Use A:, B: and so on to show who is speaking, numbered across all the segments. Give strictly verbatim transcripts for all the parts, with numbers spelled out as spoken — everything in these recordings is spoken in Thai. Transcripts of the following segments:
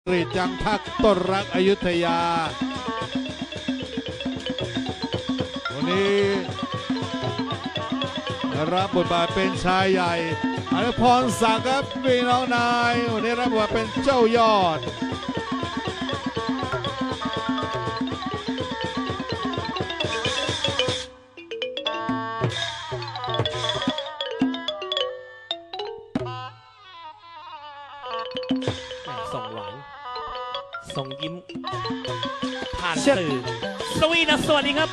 A: กรีดจังพักต้นรักอยุธยาวันนี้รับบทบาทเป็นชายใหญ่อนุพรศักดิ์ครับพี่น้องนายวันนี้รับบทบาทเป็นเจ้ายอด
B: ส่งหวานส่งยิ้มผ่านสื่อสวีนะสวัสดีครับ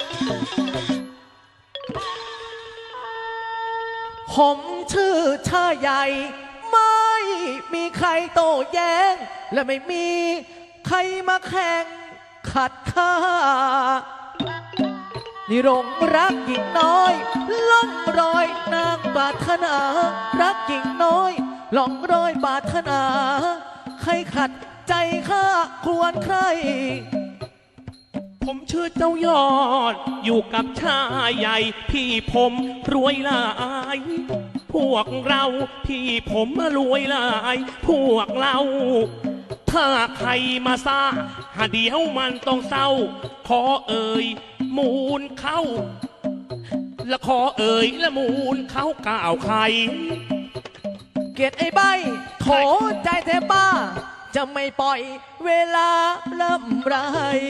C: ผมชื่อชาใหญ่ไม่มีใครโต้แย้งและไม่มีใครมาแข่งขัดข้านี่รงรักหญิงน้อยล่องรอยนางปรารถนารักหญิงน้อยล่องรอยปรารถนาใครขัดใจข้าควรใคร
B: ผมชื่อเจ้ายอดอยู่กับชายใหญ่พี่ผมรวยหลายพวกเราพี่ผมรวยหลายพวกเราถ้าใครมาซ่าหาเดี๋ยวมันต้องเศร้าขอเอ่ยมูลเข้าและขอเอ่ยและมูลเข้ากล่าวใคร
C: เกลียดไอ้ใบโถใจแทบบ้าจะไม่ปล่อยเวลาลำไร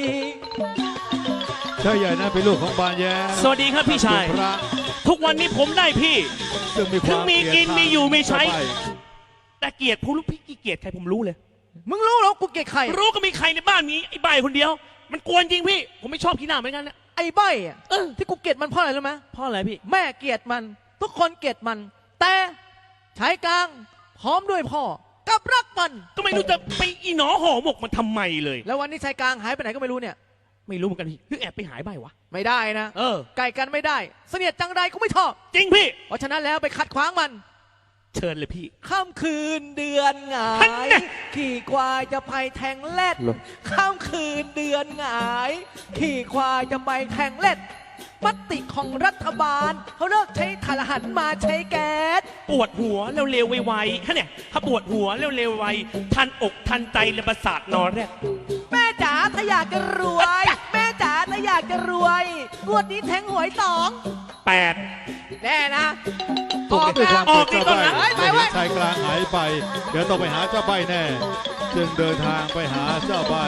A: ชายใหญ่นั้นเป็นลูกของบานแย้
B: สวัสดีครับพี่ชายทุกวันนี้ผมได้พี่
A: ถึงมี
B: ถึงมีกินมีอยู่มีใช้แต่เกลียดผู้ลูกพี่เกลียดใครผมรู้เลย
C: มึงรู้หรอกูเกลียดใคร
B: รู้ก็มีใครในบ้านนี้ไอ้ใบคนเดียวมันกวนจริงพี่ผมไม่ชอบขี้หน้าเหมือนกันนะ
C: ไอ้ใบอ่ะที่กูเกลียดมันเพราะอะไรรู้ไหม
B: เพราะอะไรพี่
C: แม่เกลียดมันทุกคนเกลียดมันแต่ชายกลางพร้อมด้วยพ่อกับรักมัน
B: ก็ไม่รู้จะไปอีหนอห่อหมกมันทำไมเลย
C: แล้ววันนี้ชายกลางหายไปไหนก็ไม่รู้เนี่ย
B: ไม่รู้เหมือนกันพี่หรือแอบไปหายใบวะ
C: ไม่ได้นะ
B: เออ
C: ไก่กันไม่ได้เสนียดจังไรก็ไม่ชอบ
B: จริงพี่
C: เพราะฉะนั้นแล้วไปขัดขวางมัน
B: เชิญเลยพี่
C: ค่ำคืนเดือนหงายขี่ควายจะไปแทงเล็ดค่ำคืนเดือนหงายขี่ควายจะไปแทงเล็ดมติของรัฐบาลเขาเลิกใช้ถ่านหันมาใช้แก๊ส
B: ปวดหัวเร็วๆไวๆฮะเนี่ยถ้าปวดหัวเร็วๆไวทันอกทันใจและประสาทนอนแรก
C: แม่จ๋าถ้าอยากจะรวยแม่จ๋าถ้าอยากจะรวยงวดนี้แทงหวยสอง
B: แปด
C: แน่นะ
A: ออกด้วยความ
B: ออกนี่
A: ต้
B: องนะ
A: ชายกลางหายไปเดี๋ยวต้องไปหาเจ้าใบแน่จึงเดินทางไปหาเจ้าใบ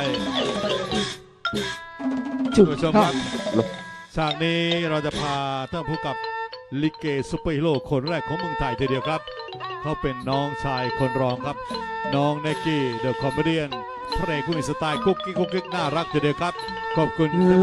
A: ผู้ชมครับฉากนี้เราจะพาท่านผู้กับลิเกซุปเปอร์ฮีโร่คนแรกของเมืองไทยทีเดียวครับเขาเป็นน้องชายคนรองครับน้องเนกกี้เดอะคอมเมเดี้พระเอกผู้มีสไตล์กุ๊กกิ๊กกุ๊กกิ๊กน่ารักทีเดียวครับขอบคุณ